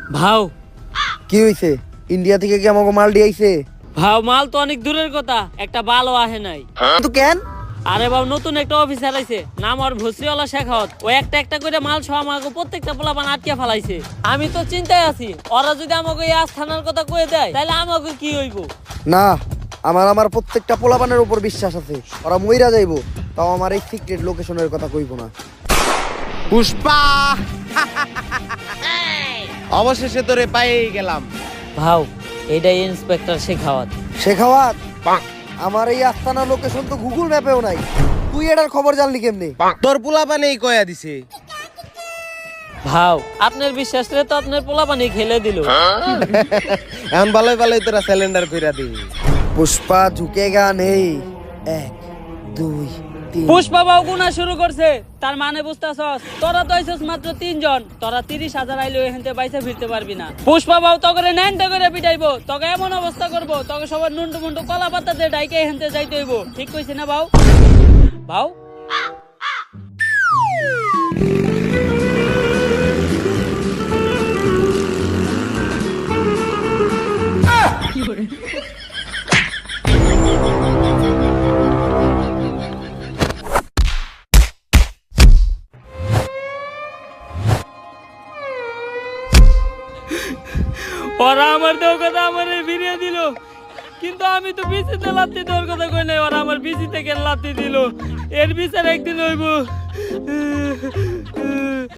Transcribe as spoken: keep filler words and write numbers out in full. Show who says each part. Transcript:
Speaker 1: ভাও
Speaker 2: কি হইছে? ইন্ডিয়া থেকে কি আমাকে মাল দিয়েছে?
Speaker 1: ভাও মাল তো অনেক দূরের কথা, একটা বালও আহে নাই।
Speaker 2: তো কেন?
Speaker 1: আরে বাবু নতুন একটা অফিসার আইছে, নাম আর ভসরিওয়ালা শেখাওয়াত। ও একটা একটা করে মাল সহ আমাকে প্রত্যেকটা পোলাপান আটকে ফেলাইছে। আমি তো চিন্তায় আছি, ওরা যদি আমাকে এই আস্থানার কথা কয়ে দেয় তাহলে আমাকে কি হইব?
Speaker 2: না, আমার আমার প্রত্যেকটা পোলাপানের উপর বিশ্বাস আছে, ওরা মইরা যাইবো, তাও আমার এই সিক্রেট লোকেশনের কথা কইব না।
Speaker 3: পুষ্পা অবশেষে তোরে পাইয়ে গেলাম।
Speaker 1: ভাও এইটাই ইন্সপেক্টর শেখাওয়াত।
Speaker 2: শেখাওয়াত, আমার এই আস্তানা লোকেশন তো গুগল ম্যাপেও নাই, তুই এটার খবর জানলি কেমনে?
Speaker 3: তোর পোলাপানেই কয়া দিছে।
Speaker 1: ভাও আপনার বিশ্বাস রে তো আপনার পোলাপানি খেলে দিল।
Speaker 3: এখন ভালোই ভালোই তোরা সিলিন্ডার কইরা দি।
Speaker 2: পুষ্পা ঝুঁকেগা নেই। এক দুই তিন।
Speaker 1: পুষ্পা বাবু গুনা শুরু করছে, তার মানে বুঝতাছস? তোরা তো আইছস মাত্র তিনজন, তোরা তিরিশ হাজার আইলেও এখান থেকে বাইসা ফিরতে পারবি না। পুষ্পা বাবু তগরে ন্যান্টা করে পিটাইবো, তোকে এমন অবস্থা করবো তোকে সবার নুন্টু মুন্টু কলা পাতা দিয়ে ডাইকে এখান থেকে যাইতে হইব। ঠিক কইছি না বাউ? বাউ ওরা আমার দেওয়ার কথা আমার ফিরিয়ে দিল, কিন্তু আমি তো বিচিতে লাত্তি দেওয়ার কথা কই নাই, ওরা আমার বিচি থেকে লাত্তি দিল। এর বিচার একদিন হইব।